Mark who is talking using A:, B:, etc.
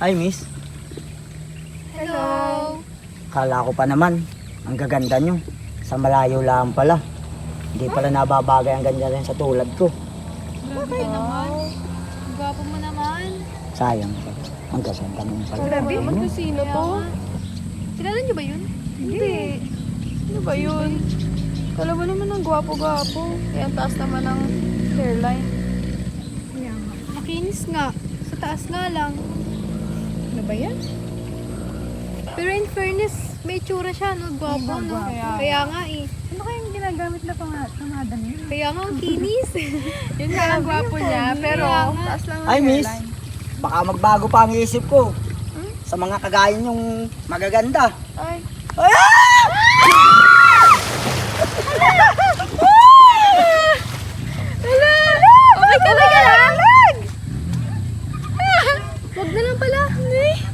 A: Hi, miss.
B: Hello.
A: Kala ko pa naman, ang gaganda nyo. Sa malayo lang pala. Hindi pala nababagay ang ganda rin sa tulad ko.
B: Grabe ka naman. Ang gwapo mo naman.
A: Sayang pala. Ang gaganda mo pala.
C: Grabe naman kung sino to.
B: Kilala niyo ba yun?
C: Hindi. Ano ba yun? Kala mo naman ang gwapo-gwapo. Kaya ang taas naman ng hairline.
B: Makinis nga. Sa taas nga lang.
C: Ano ba yan?
B: Pero in fairness, may tsura siya, no? Gwapo, no? Kaya nga eh.
C: Ano kayang ginagamit na pangada niya?
B: Kaya nga ang kinis.
C: Yun nga ang gwapo niya, pero
B: Kaya nga.
C: taas lang ng
A: Hi, miss.
C: hairline.
A: Baka magbago pa ang isip ko. Sa mga kagaya nyong magaganda.
C: Ay,
B: Okay ka lang! Wag na lang pala.